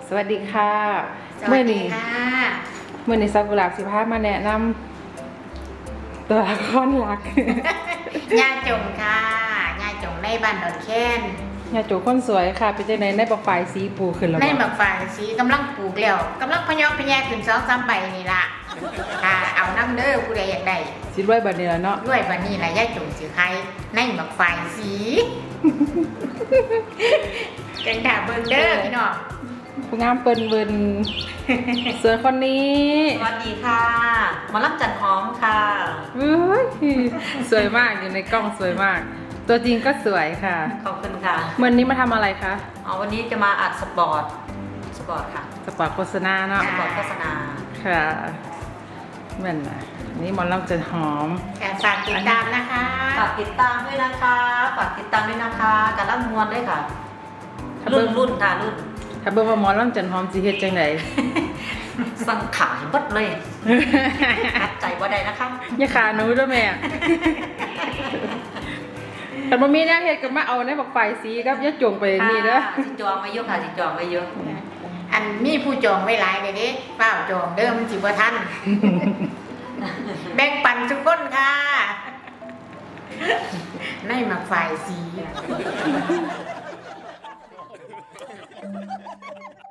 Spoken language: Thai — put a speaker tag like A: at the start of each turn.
A: สวัสดีค่ะ
B: สวัสดีค่ะ
A: เมื่อนี้ซากุระสิพามาแนะนำตัวละครหลัก
B: ย่าจงค่ะย่าจงในบ้านดอนแค้น
A: ยาโจคนสวยค่ะเป็นจังไดในบอกไฟสีปูขึ้นแล้ว
B: ใน
A: บ่
B: หมักฝายสีกำลังปลูกแล้วกำลังพะยอกพะแยกขึ้น2-3ใบนี่ล่ะค่ะเอาน้ำเด้อผู้ใดอยากได้
A: สิรวยบัดนี้แล้วเนาะ
B: ด้วยบัดนี้ล่ะย่าจงสิใครในหมักฝายสี กันค่ะเบิ่งเด้อพี่น้อง
A: ผู้งามเปิ้นเบิ่นส่วนคนนี้
C: สวัสดีค่ะหมารับจันหอมค่ะ
A: เฮ้ยสวยมากอยู่ในกล้องสวยมาก ตัวจริงก็สวยค่ะ
C: ขอบคุณค่ะ
A: เมื่อนี้มาทำอะไรคะ
C: วันนี้จะมาอัดสปอร์ตค่ะ
A: สปอร์ตโฆษณาเนาะ
C: สปอร์ตโฆษณา
A: ค่ะแม่นนะนี่หมอลำจันหอม
B: ค่ะฝากติดตามนะคะ
C: ฝากติดตามด้วยนะคะฝากติดตามด้วยนะคะการรับมวลด้วยค่ะ รุ่นค่ะรุ่น
A: ถ้าเบิ่งว่าหมอลำจันหอมสิเฮ็ดจังได
C: สั่งขายบัดเลยตัดใจว่าใดนะคะ
A: อย่าขาหนูด้วยแม่แต่บ่มีแนวเฮ็ดก็มาเอาในบักไฟสีกับยาจงไปนี่เด้อ
C: จิจองไว้เยอะค่ะจิจองไว้เยอะ
B: อันมีผู้จองไว้หลายเลยเด้เปล่าจองเด้อมันสิบ่ทัน แบ่งปันทุกคนค่ะ ในหมักฝ่ายสี